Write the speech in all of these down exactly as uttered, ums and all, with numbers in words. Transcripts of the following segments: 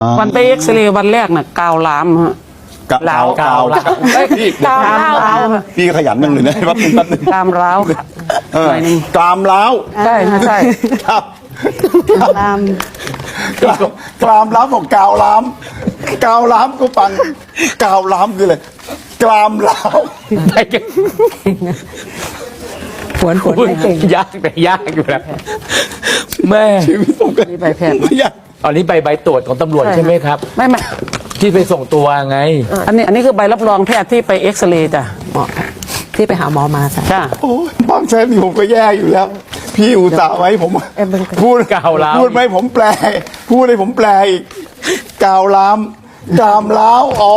วันไปเอ็กซเรย์วันแรกน่ะกาวล้ามฮะกาวกาวเอ้ยพี่กาวร้าวพี่ขยันยังเลยนะแป๊บนึงแป๊บนึงกามร้าวค่ะเออหน่อยหนึงกรามล้าวใช่ฮะใช่ครับตามกรามกรามล้าวของกาวล้ามกาวล้ามก็ฟังกาวล้ามคืออะไรกรามล้าวไปกันฝวนฝวนไม่เก่งยากแต่ยากอยู่แล้วแม่ชีวิตผมก็นี่ใบแพทย์ไม่อยากอันนี้ใบใบตรวจของตำรวจใช่ไหมครับไม่ไม่ที่ไปส่งตัวไงอันนี้อันนี้คือใบรับรองแพทย์ที่ไปเอ็กซเรย์จ้ะหมอที่ไปหาหมอมาจ้ะจ้าโอ้ยบางแสนนี่ผมก็แย่อยู่แล้ว พี่อุตส่าห์ไว้ผมเอ็มเบิ้งกันพูดกาวล้าวพูดไหมผมแปล พูดให้ผมแปลอีกกาวล้ามกรามล้าวอ๋อ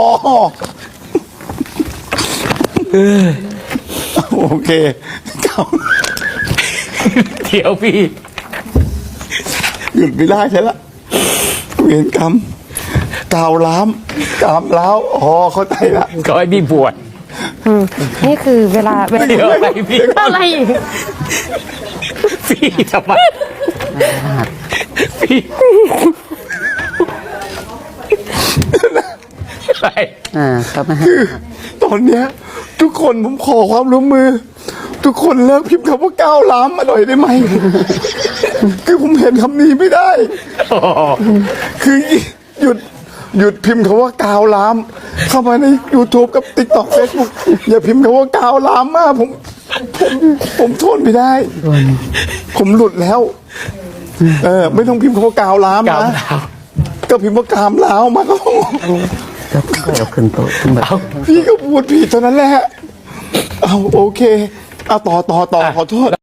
โอเคกาวเดี๋ยวพี่หยุดไม่ได้ใช่ละเวรกรรมกาวล้ามกรามล้าวอ๋อเข้าใจละก็ให้พี่บวชนี่คือเวลาเวลาเดี๋ยวอะไรพี่อะไรอีกพี่ทำไมพี่ไปอ่าครับนะฮะตอนเนี้ย ทุกคนผมขอความร่วมมือ ทุกคนเลิกพิมพ์คำว่าก้าวล้ามมาหน่อยได้ไหม คือผมเห็นคำนี้ไม่ได้โอ้โหคือหยุดหยุดพิมพ์คำว่ากาวล้าม เข้ามาใน YouTube กับ TikTok Facebook อย่าพิมพ์คำว่ากาวล้ามมากผมผมผมทนไม่ได้ ผมหลุดแล้ว เออ ไม่ต้องพิมพ์คำว่ากาวล้ามกาวนะล้าวก็พิมพ์ว่ากามล้าวมาก็พอก็เอาขึ้นโต๊ะขึ้นแบบเอาพี่ก็พูดผิดเท่านั้นแหละ เอาโอเค เอาต่อต่อต่อขอโทษ